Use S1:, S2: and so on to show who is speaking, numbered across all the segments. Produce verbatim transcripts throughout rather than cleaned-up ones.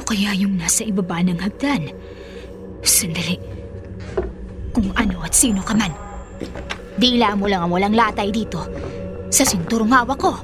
S1: kaya yung nasa ibaba ng hagdan? Sandali. Kung ano at sino ka man, dila mo lang ang walang latay dito sa sinturong hawak ko.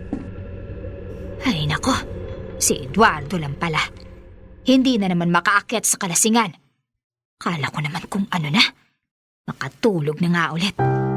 S1: Ay nako, si Eduardo lang pala. Hindi na naman makaakyat sa kalasingan. Kala ko naman kung ano na, makatulog na nga ulit.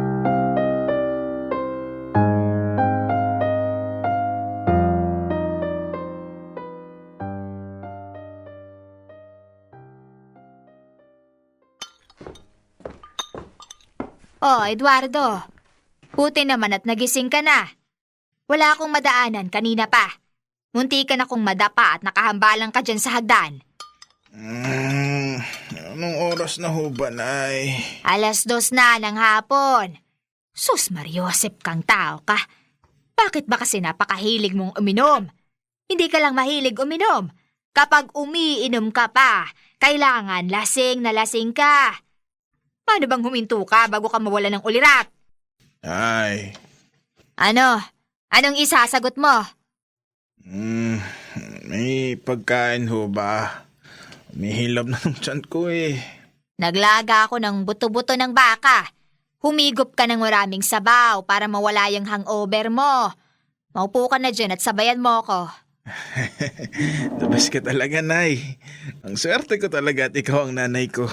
S1: Oh, Eduardo. Buti naman at nagising ka na. Wala akong madaanan kanina pa. Munti ka na kong madapa at nakahambalang ka dyan sa hagdan.
S2: Hmm, anong oras na ho ba, Nay?
S1: Alas dos na ng hapon. Sus Mariosep kang tao ka. Bakit ba kasi napakahilig mong uminom? Hindi ka lang mahilig uminom. Kapag umiinom ka pa, kailangan lasing na lasing ka. Paano bang huminto ka bago ka mawala ng ulirat?
S2: Ay,
S1: Ano? Anong isasagot mo?
S2: hmm, may pagkain ho ba? Umihilab na ng tiyan ko eh.
S1: Naglaga ako ng buto-buto ng baka. Humigop ka ng maraming sabaw para mawala yung hangover mo. Maupo ka na dyan at sabayan mo ko.
S2: The best ka talaga, Nay. Ang swerte ko talaga at ikaw ang nanay ko.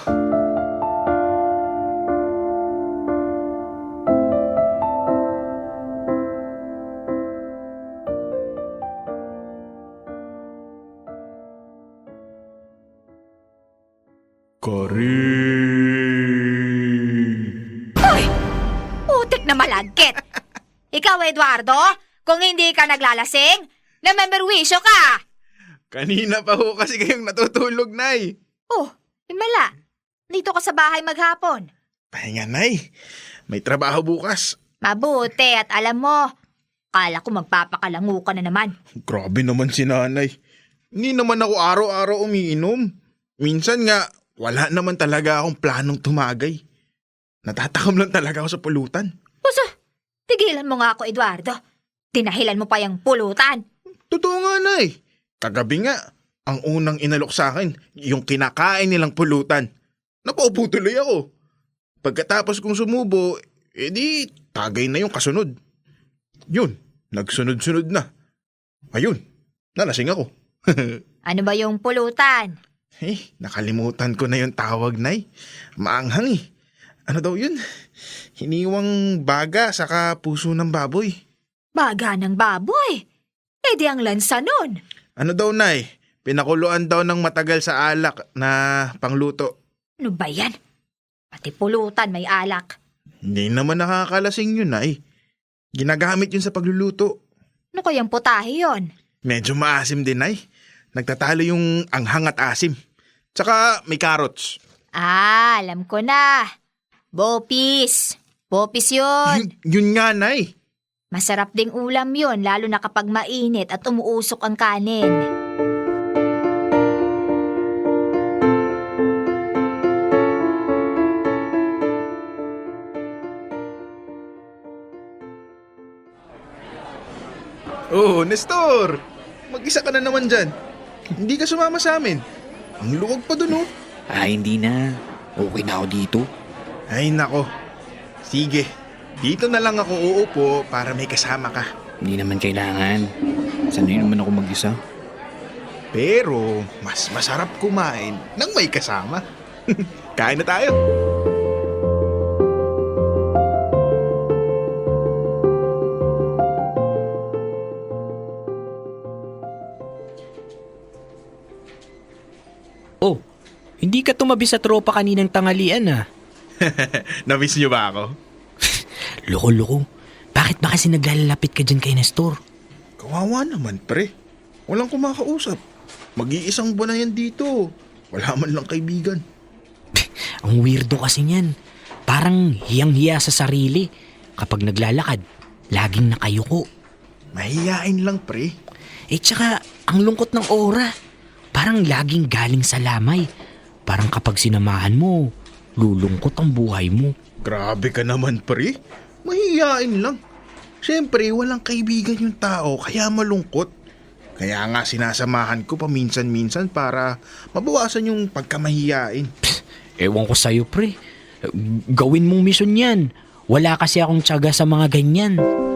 S2: Karin!
S1: Hoy! Putik na malagkit! Ikaw, Eduardo, kung hindi ka naglalasing, namemberwisyo ka!
S2: Kanina pa ho kasi kayong natutulog, Nay.
S1: Oh, himala. Dito ka sa bahay maghapon.
S2: Pahinga, Nay. May trabaho bukas.
S1: Mabuti at alam mo, kala ko magpapakalangu ka na naman.
S2: Grabe naman si nanay. Hindi naman ako araw-araw umiinom. Minsan nga, wala naman talaga akong planong tumagay. Natatakam lang talaga ako sa pulutan.
S1: Puso, tigilan mo nga ako, Eduardo. Tinahilan mo pa yung pulutan.
S2: Totoo nga, Nay. Kagabi nga, ang unang inalok sa akin, yung kinakain nilang pulutan. Napaupo tuloy ako. Pagkatapos kong sumubo, edi tagay na yung kasunod. Yun, nagsunod-sunod na. Ayun, nalasing ako.
S1: Ano ba yung pulutan?
S2: Eh, nakalimutan ko na yung tawag, Nay. Maanghang eh. Ano daw yun? Hiniwang baga saka puso ng baboy.
S1: Baga ng baboy. Eh di ang lansa nun.
S2: Ano daw, Nay? Pinakuluan daw ng matagal sa alak na pangluto.
S1: Ano ba yan? Pati pulutan may alak.
S2: Hindi naman nakakalasing yun, Nay. Ginagamit yun sa pagluluto.
S1: Ano kayang putahe yon?
S2: Medyo maasim din, Nay. Nagtatalo yung anghang at asim. Tsaka may carrots.
S1: Ah, alam ko na. Bopis. Bopis yun.
S2: Yun, yun nga, Nay.
S1: Masarap ding ulam yun, lalo na kapag mainit at umuusok ang kanin.
S2: Oh, Nestor! Mag-isa ka na naman dyan. Hindi ka sumama sa amin. Ang luwag pa dun, oh.
S3: Ah, hindi na. Okay na ako dito.
S2: Ay, nako. Sige, dito na lang ako uupo para may kasama ka.
S3: Hindi naman kailangan. Sanay naman ako mag-isa.
S2: Pero, mas masarap kumain nang may kasama. Kain na tayo.
S4: Oh, hindi ka tumabi sa tropa kaninang tanghalian ah.
S2: Namiss niyo ba ako?
S4: Loko-loko. Bakit ba kasi naglalapit ka dyan kay Nestor?
S2: Kawawa naman, pre. Walang kumakausap. Mag-iisang buwan na yan dito. Wala man lang kaibigan.
S4: Ang weirdo kasi niyan. Parang hiyang-hiya sa sarili. Kapag naglalakad, laging nakayuko.
S2: Mahihain lang, pre.
S4: Eh tsaka, ang lungkot ng aura. Parang laging galing sa lamay. Parang kapag sinamahan mo, lulungkot ang buhay mo.
S2: Grabe ka naman, pre. Mahihain lang. Siyempre, walang kaibigan yung tao, kaya malungkot. Kaya nga sinasamahan ko paminsan-minsan para mabawasan yung pagkamahiyain.
S4: Ewan ko sa'yo, pre. Gawin mong mission yan. Wala kasi akong tiyaga sa mga ganyan.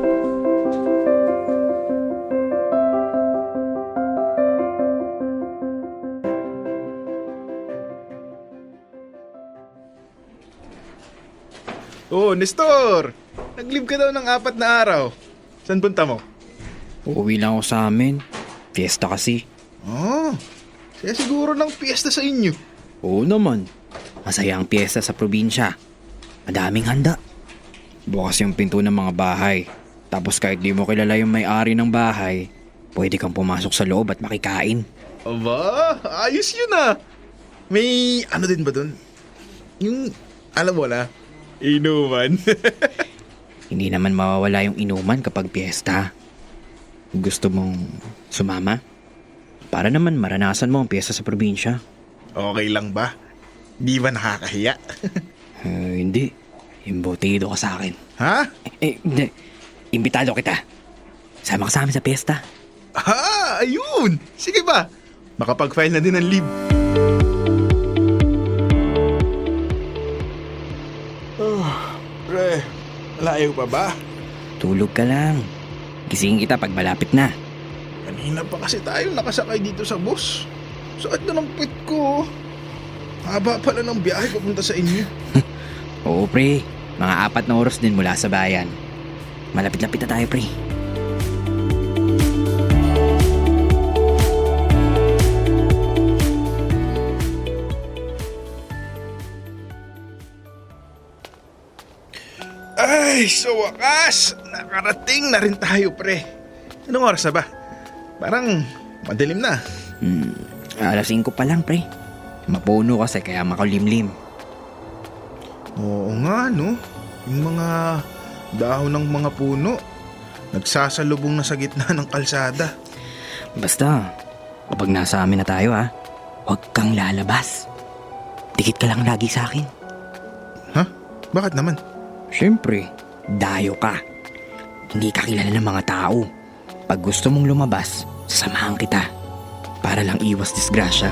S2: Oh, Nestor! Nag-leave ka daw ng apat na araw. Saan punta mo?
S3: Uuwi lang ako sa amin. Fiesta kasi.
S2: Oh, kaya siguro ng piyesta sa inyo.
S3: Oo naman. Masaya ang piyesta sa probinsya. Madaming handa. Bukas yung pinto ng mga bahay. Tapos kahit di mo kilala yung may-ari ng bahay, pwede kang pumasok sa loob at makikain.
S2: Aba, ayos yun ah. May ano din ba dun? Yung, alam mo na, inuman.
S3: Hindi naman mawawala yung inuman kapag piyesta. Gusto mong sumama? Para naman maranasan mo ang piyesta sa probinsya.
S2: Okay lang ba? Di ba nakakahiya?
S3: Eh, hindi. Imbutido ka sa akin.
S2: Ha?
S3: Eh, hindi. Imbitado kita. Sama ka sa amin sa piyesta.
S2: Ah, ayun! Sige ba? Makapag-file na din ng leave. Oh, pre, layo pa ba?
S3: Tulog ka lang. Gisingin kita pag malapit na.
S2: Kanina pa kasi tayo nakasakay dito sa bus. Sakit na ng pit ko. Haba pala ng biyahe papunta sa inyo.
S3: Oo, pre. Mga apat na oras din mula sa bayan. Malapit-lapit na tayo, pre.
S2: Ay, sa wakas! Nakarating na rin tayo, pre. Anong oras na ba? Parang madilim na.
S3: Hmm, alas singko pa lang, pre. Mapuno kasi kaya makulimlim.
S2: Oo nga, no? Yung mga dahon ng mga puno, nagsasalubong na sa gitna ng kalsada.
S3: Basta, kapag nasa amin na tayo ha, huwag kang lalabas. Dikit ka lang lagi sa akin.
S2: Ha? Bakit naman?
S3: Siyempre, dayo ka. Hindi ka kilala ng mga tao. Pag gusto mong lumabas, sasamahan kita. Para lang iwas disgrasya.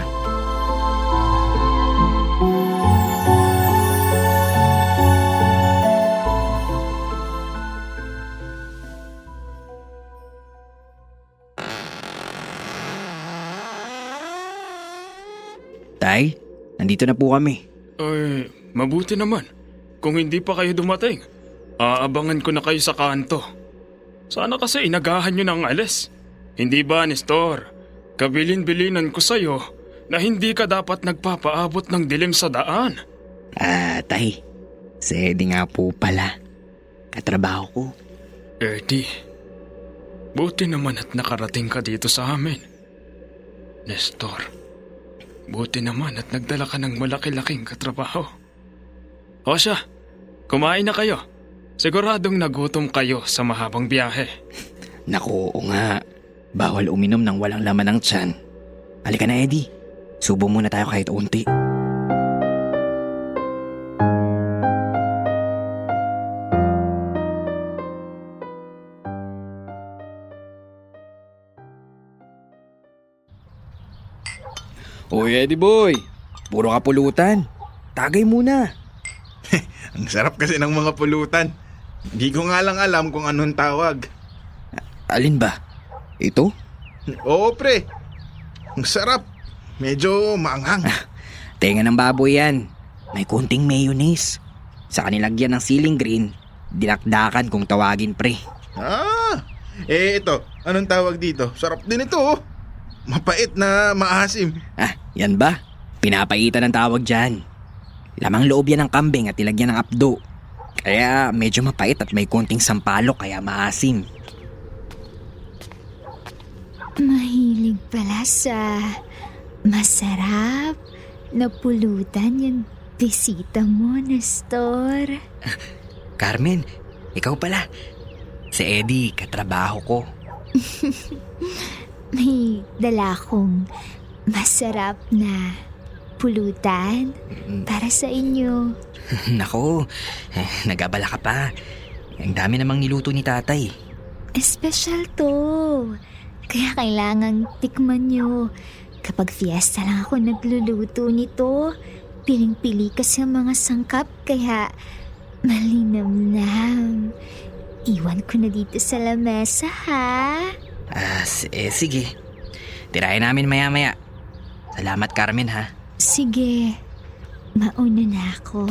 S3: Tay, nandito na po kami.
S5: Ay, mabuti naman. Kung hindi pa kayo dumating, aabangan ko na kayo sa kanto. Sana kasi inagahan nyo ng alis. Hindi ba, Nestor? Kabilin-bilinan ko sa'yo na hindi ka dapat nagpapaabot ng dilim sa daan.
S3: Ah, tay, si Eddie nga po pala. Katrabaho ko.
S5: Eddie, buti naman at nakarating ka dito sa amin. Nestor, buti naman at nagdala ka ng malaki-laking katrabaho. O siya, kumain na kayo. Siguradong nagutom kayo sa mahabang biyahe.
S3: Naku, oo nga. Bawal uminom ng walang laman ng tiyan. Halika na, Eddie. Subo muna tayo kahit unti. Uy, Eddie boy. Puro kapulutan. Tagay muna.
S2: Ang sarap kasi ng mga pulutan. Hindi ko nga lang alam kung anong tawag.
S3: Alin ba? Ito?
S2: Oo, pre. Ang sarap. Medyo maanghang.
S3: Tenga ng baboy yan. May kunting mayonnaise. Sa kanilagyan ng siling green, dinakdakan kung tawagin, pre.
S2: Ah, eh ito. Anong tawag dito? Sarap din ito, oh. Mapait na maasim.
S3: Ah, yan ba? Pinapaitan ng tawag dyan. Lamang loob yan ng kambing at ilagyan ng apdo. Kaya medyo mapait at may konting sampalok kaya maasim.
S1: Mahilig pala sa masarap na pulutan yung bisita mo, Nestor.
S3: Carmen, ikaw pala. Si Eddie, katrabaho ko.
S1: May dala kong masarap na pulutan para sa inyo.
S3: Nako, eh, nag-abala ka pa. Ang dami namang niluto ni tatay.
S1: Espesyal to.
S6: Kaya kailangang tikman nyo. Kapag fiesta lang ako nagluluto nito, piling-pili kasi ang mga sangkap kaya malinamnam. Iwan ko na dito sa lamesa ha.
S4: Ah, s- eh, sige. Tirayan namin maya-maya. Salamat, Carmen, ha?
S6: Sige, mauna na ako.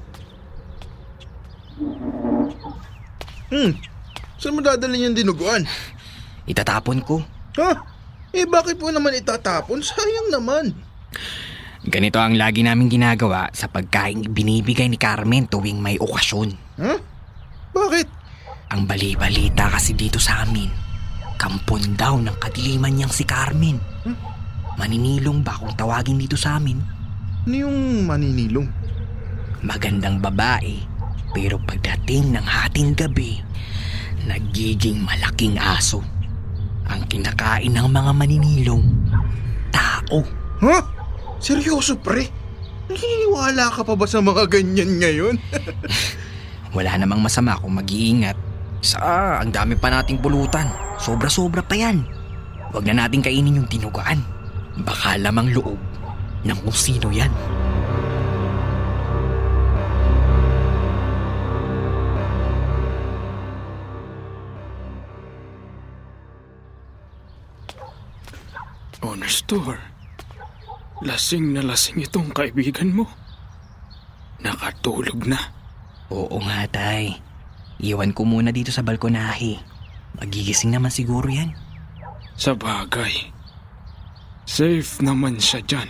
S2: Hmm, saan mo dadalhin yung dinuguan?
S4: Itatapon ko.
S2: Ha? Eh bakit po naman itatapon? Sayang naman.
S4: Ganito ang lagi namin ginagawa sa pagkain binibigay ni Carmen tuwing may okasyon.
S2: Ha? Bakit?
S4: Ang bali-balita kasi dito sa amin, kampon daw ng kadiliman niyang si Carmen. Maninilong ba kung tawagin dito sa amin?
S2: Ano yung maninilong?
S4: Magandang babae, pero pagdating ng hating gabi, nagiging malaking aso. Ang kinakain ng mga maninilong, tao.
S2: Ha? Seryoso pre? Naniniwala ka pa ba sa mga ganyan ngayon?
S4: Wala namang masama kung mag-iingat. Sa ang dami pa nating pulutan. Sobra-sobra pa yan. Huwag na nating kainin yung tinugaan. Baka lamang loob ng kung sino yan.
S5: Oh, Nestor. Lasing na lasing itong kaibigan mo. Nakatulog na.
S4: Oo nga, tay. Iwan ko muna dito sa balkonahe. Magigising naman siguro yan.
S5: Sa bagay. Safe naman siya dyan.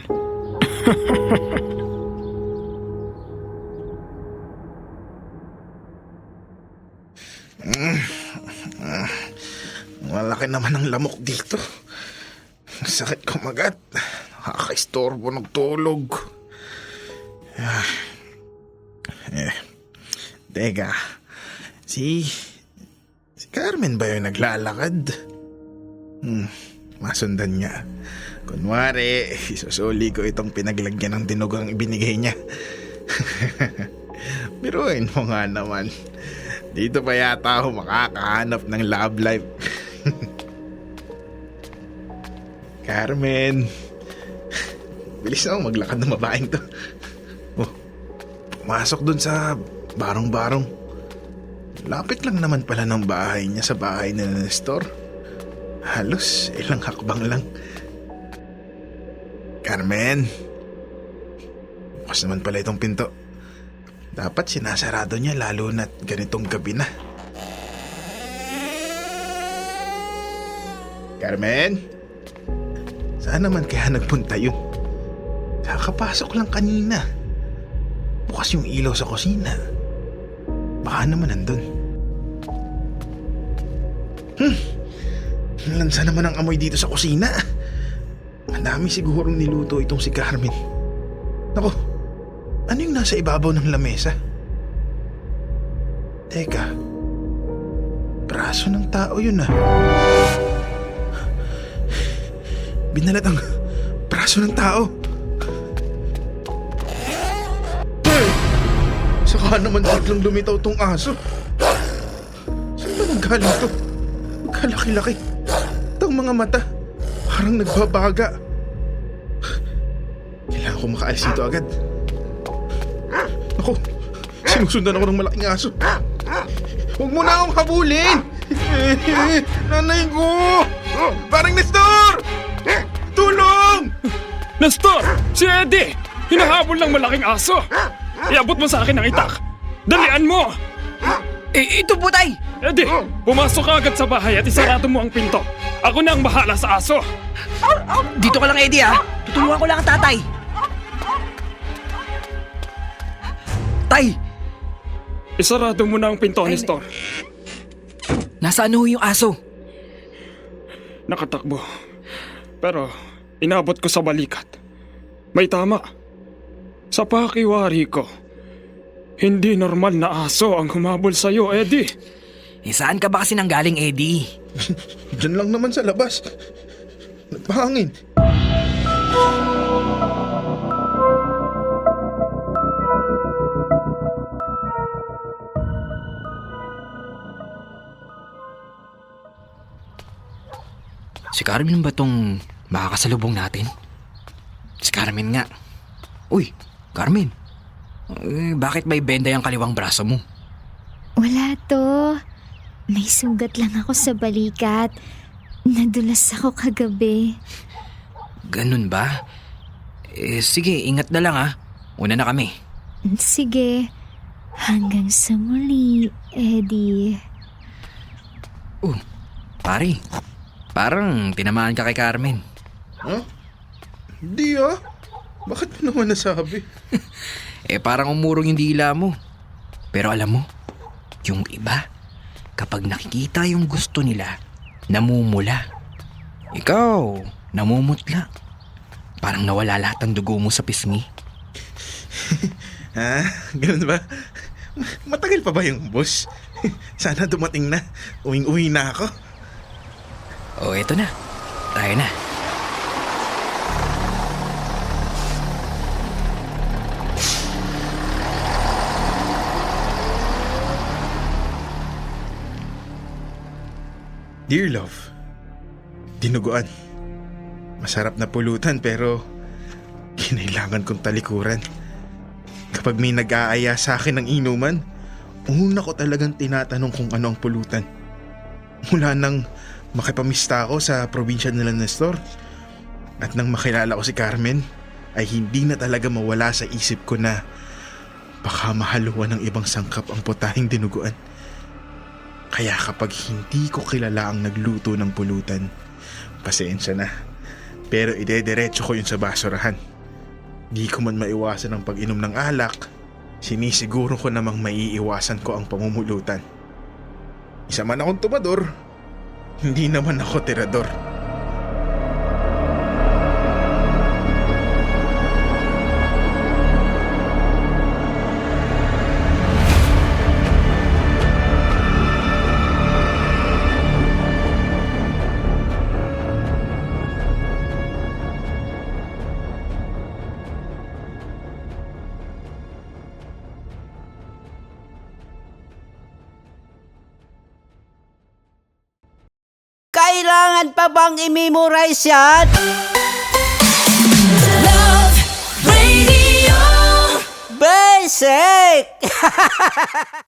S2: Malaki naman ang lamok dito. Sakit kumagat. Nakaka-istorbo ng tulog. Ah. Eh, teka. Si... Si Carmen ba yung naglalakad? Hmm, masundan niya. Kunwari, isusuli ko itong pinaglagyan ng dinugang ibinigay niya. Biruin mo nga naman. Dito pa yata ako makakahanap ng love life. Carmen. Bilis na ako maglakad ng babaeng to. Oh, pumasok dun sa barong-barong. Lapit lang naman pala ng bahay niya sa bahay ni Nestor. Halos ilang hakbang lang. Carmen. Bukas naman pala itong pinto. Dapat sinasarado niya lalo na't ganitong gabi na. Carmen? Saan naman kaya nagpunta yun? Kakapasok lang kanina. Bukas yung ilaw sa kusina. Baka naman nandun. Hmm. Lansa naman ang amoy dito sa kusina. Ang dami sigurong niluto itong si Carmen. Naku, ano yung nasa ibabaw ng lamesa? Teka, braso ng tao yun ah. Binalat ang braso ng tao. Hey! Saka naman biglang lumitaw tong aso. Saan ba nanggaling to? Kalaki-laki. Itong mga mata, parang nagbabaga. Kailangan ko makaalis dito agad. Ako, sinusundan ako ng malaking aso. Huwag mo na akong habulin! Nanay ko! Parang Nestor! Tulong!
S5: Nestor! Si Eddie! Hinahabol ng malaking aso! Iabot mo sa akin ang itak! Dalian mo!
S4: Eh, ito po, tay!
S5: Eddie, pumasok ka agad sa bahay at isarado mo ang pinto. Ako na ang bahala sa aso.
S4: Dito ka lang, Eddie, ha? Tutulungan ko lang ang tatay. Tay!
S5: Isarado mo na ang pinto, Nestor.
S4: Nasaan ho yung aso?
S5: Nakatakbo. Pero inabot ko sa balikat. May tama. Sa pakiwari ko, hindi normal na aso ang humabol sa'yo, Eddie.
S4: Eh, saan ka ba kasi nanggaling, Eddie?
S2: Diyan lang naman sa labas. Nagpahangin.
S4: Si Carmen ba tong makakasalubong natin? Si Carmen nga. Uy, Carmen. Eh, bakit may benda yung kaliwang braso mo?
S6: Wala to. May sugat lang ako sa balikat. Nadulas ako kagabi.
S4: Ganun ba? Eh, sige, ingat na lang ah. Una na kami.
S6: Sige. Hanggang sa muli, Eddie.
S4: Uh, pare. Parang tinamaan ka kay Carmen.
S2: Huh? Hindi ah. Bakit mo naman nasabi?
S4: Eh, parang umurong yung dila mo. Pero alam mo, yung iba, kapag nakikita yung gusto nila, namumula. Ikaw, namumutla. Parang nawala lahat ng dugo mo sa pisngi.
S2: Ha? Ganun ba? Matagal pa ba yung bus? Sana dumating na. Uwing-uwi na ako.
S4: O, eto na. Tayo na.
S2: Dear love, dinuguan. Masarap na pulutan pero kinailangan kong talikuran. Kapag may nag-aaya sa akin ng inuman, una ko talagang tinatanong kung ano ang pulutan. Mula nang makipamista ako sa probinsya nila Nestor at nang makilala ko si Carmen, ay hindi na talaga mawala sa isip ko na baka mahaluan ng ibang sangkap ang putahing dinuguan. Kaya kapag hindi ko kilala ang nagluto ng pulutan, pasensya na. Pero idediretso ko yun sa basurahan. Di ko man maiwasan ang pag-inom ng alak, sinisiguro ko namang maiiwasan ko ang pamumulutan. Isa man akong tumador, hindi naman ako tirador.
S7: Kailangan pa bang i-memorize yan?
S8: Love Radio.
S7: Basic!